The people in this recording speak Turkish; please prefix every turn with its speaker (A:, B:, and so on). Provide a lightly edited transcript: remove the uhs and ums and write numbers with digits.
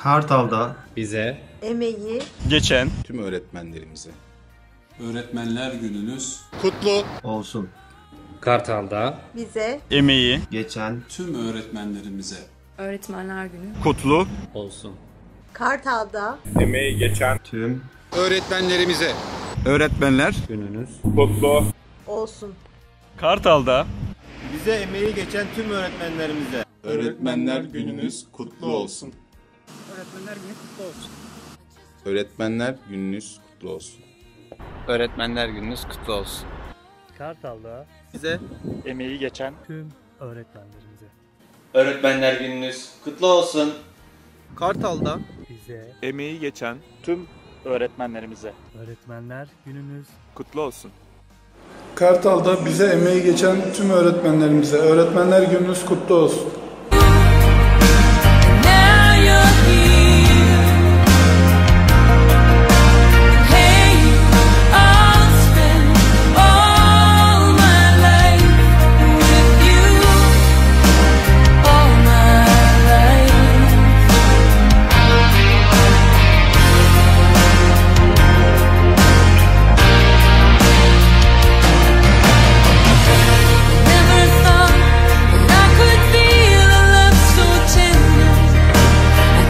A: Kartal'da
B: bize
C: emeği
D: geçen
E: tüm öğretmenlerimize.
F: Öğretmenler gününüz
E: Kutlu
A: olsun.
B: Kartal'da
C: bize
D: emeği
A: Geçen
F: tüm öğretmenlerimize.
G: Öğretmenler Günü
D: kutlu
B: olsun.
C: Kartal'da
A: tüm
E: öğretmenlerimize.
D: öğretmenler
B: Gününüz
C: olsun.
D: Kartal'da
H: Bize emeği geçen tüm öğretmenlerimize.
E: Öğretmenler gününüz kutlu olsun.
I: Öğretmenler Günü kutlu olsun.
E: Öğretmenler gününüz kutlu olsun.
J: Öğretmenler gününüz kutlu olsun.
H: Kartal'da
D: bize emeği geçen
H: tüm öğretmenlerimize.
K: Öğretmenler gününüz kutlu olsun.
D: Kartal'da
H: Bize
D: emeği geçen tüm öğretmenlerimize
H: öğretmenler gününüz
D: kutlu olsun.
L: Kartal'da bize emeği geçen tüm öğretmenlerimize öğretmenler gününüz kutlu olsun.